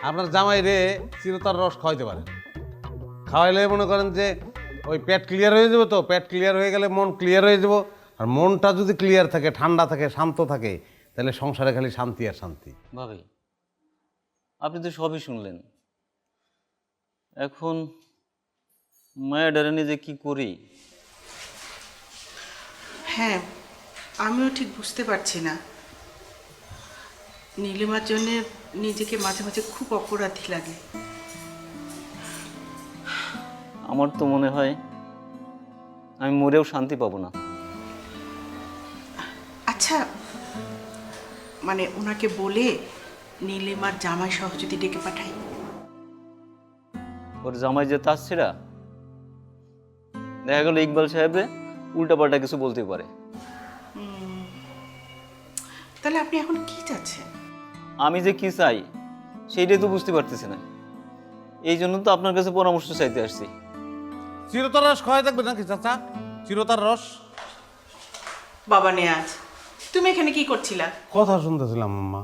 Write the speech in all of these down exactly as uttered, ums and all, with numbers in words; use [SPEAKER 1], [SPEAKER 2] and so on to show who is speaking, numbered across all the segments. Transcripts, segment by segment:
[SPEAKER 1] আপনার জামাই রে চিরতার রস খাওয়াইতে পারেন। খাওয়াইলে মনে করেন যে ওই পেট ক্লিয়ার হয়ে যাবে, তো পেট ক্লিয়ার হয়ে গেলে মন ক্লিয়ার হয়ে যাব। আর মনটা যদি ক্লিয়ার থাকে, ঠান্ডা থাকে, শান্ত থাকে, তাহলে সংসারে খালি শান্তি আর শান্তি।
[SPEAKER 2] ভাবি আপনি তো সবই শুনলেন, এখন মায়া ডারে নিজে কি করি?
[SPEAKER 3] হ্যাঁ, আমিও ঠিক বুঝতে পারছি না। নীলিমার জন্য নিজেকে মাঝে মাঝে খুব অপরাধী লাগে।
[SPEAKER 2] আমার তো মনে হয় আমি মরেও শান্তি পাবো না।
[SPEAKER 3] আচ্ছা, মানে ওনাকে বলে নীলিমার জামাই সহ যদি ডেকে পাঠাই?
[SPEAKER 2] ওর জামাই যে তাসছিরা, দেখা গেল ইকবাল সাহেবে উল্টাপাল্টা কিছু বলতে পারে।
[SPEAKER 3] তাহলে আপনি এখন কি চাচ্ছেন?
[SPEAKER 2] আমি যে কি চাই সেইটাই তো বুঝতে পারতেছি না, এই জন্য তো আপনার কাছে পরামর্শ চাইতে আসছি।
[SPEAKER 1] চিরতার রস খাওয়াই থাকবে নাকি চাচা? চিরতার রস।
[SPEAKER 3] বাবা নেয়াজ, তুমি এখানে কি করছিলা?
[SPEAKER 1] কথা শুনতেছিলাম আম্মা।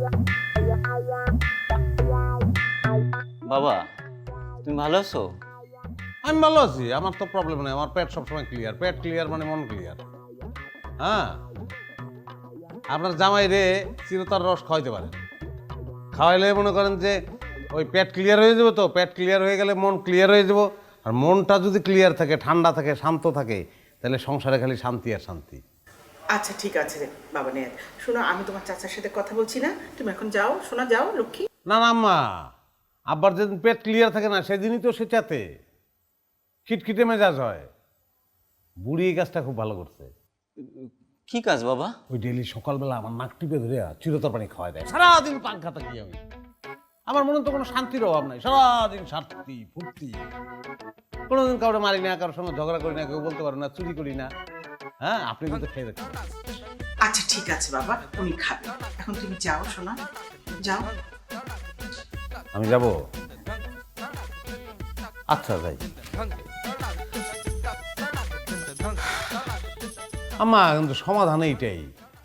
[SPEAKER 2] বাবা তুমি ভালো আছো?
[SPEAKER 1] আমি ভালো আছি, আমার তো প্রবলেম নেই। আমার পেট সবসময় ক্লিয়ার। পেট ক্লিয়ার মানে মন ক্লিয়ার। হ্যাঁ, আপনার জামাই রে চিরতার রস খাওয়াইতে পারেন। খাওয়াইলে মনে করেন যে ওই পেট ক্লিয়ার হয়ে যাবে, তো পেট ক্লিয়ার হয়ে গেলে মন ক্লিয়ার হয়ে যাব। আর মনটা যদি ক্লিয়ার থাকে, ঠান্ডা থাকে, শান্ত থাকে, তাহলে সংসারে খালি শান্তি আর শান্তি।
[SPEAKER 3] আচ্ছা ঠিক আছে বাবা নেয়াজ, শোনো আমি তোমার চাচার সাথে কথা বলছি না, তুমি এখন যাও, শোনা যাও লক্ষ্মী।
[SPEAKER 1] না না আম্মা, আব্বার যেদিন পেট ক্লিয়ার থাকে না সেদিনই তো সে চাতে খিটখিটে মেজাজ হয়। বুড়ি এই কাজটা খুব ভালো করছে।
[SPEAKER 2] কি কাজ বাবা?
[SPEAKER 1] ওই ডেলি সকালবেলা আমার নাক টিপে ধরে চিরতর পানি খাওয়াই দেয়। সারাদিন পাঙ্খা থাকি আমি। আমার মনে তো কোনো শান্তির অভাব নাই। সারাদিন শান্তি ফুর্তি, কোনোদিন কাউকে মারি না, কারোর সঙ্গে ঝগড়া করি না, কেউ বলতে পারে না, চুরি করি না। হ্যাঁ, আপনি কিন্তু খেয়ে দেখছেন।
[SPEAKER 3] আচ্ছা ঠিক আছে বাবা, উনি খাবে, এখন তুমি যাও শোনা, যাও।
[SPEAKER 1] আমি যাব? আচ্ছা যাই। আম্মা কিন্তু সমাধান এইটাই।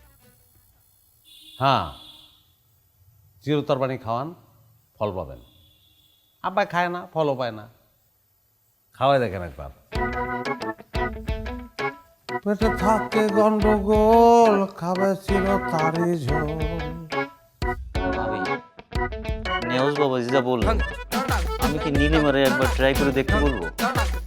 [SPEAKER 1] হ্যাঁ, চিরতর পানি খাওয়ান, ফল পাবেন। আব্বা খায় না, ফলও পায় না। খাওয়াই দেখেন একবার। পেটে থাকে গন্ডগোল, খাবে চিরতারি ঝোল।
[SPEAKER 2] ভাবি নেওজ বাবা যা বললেন, আমি কি নীলিমারে একবার ট্রাই করে দেখতে বলবো?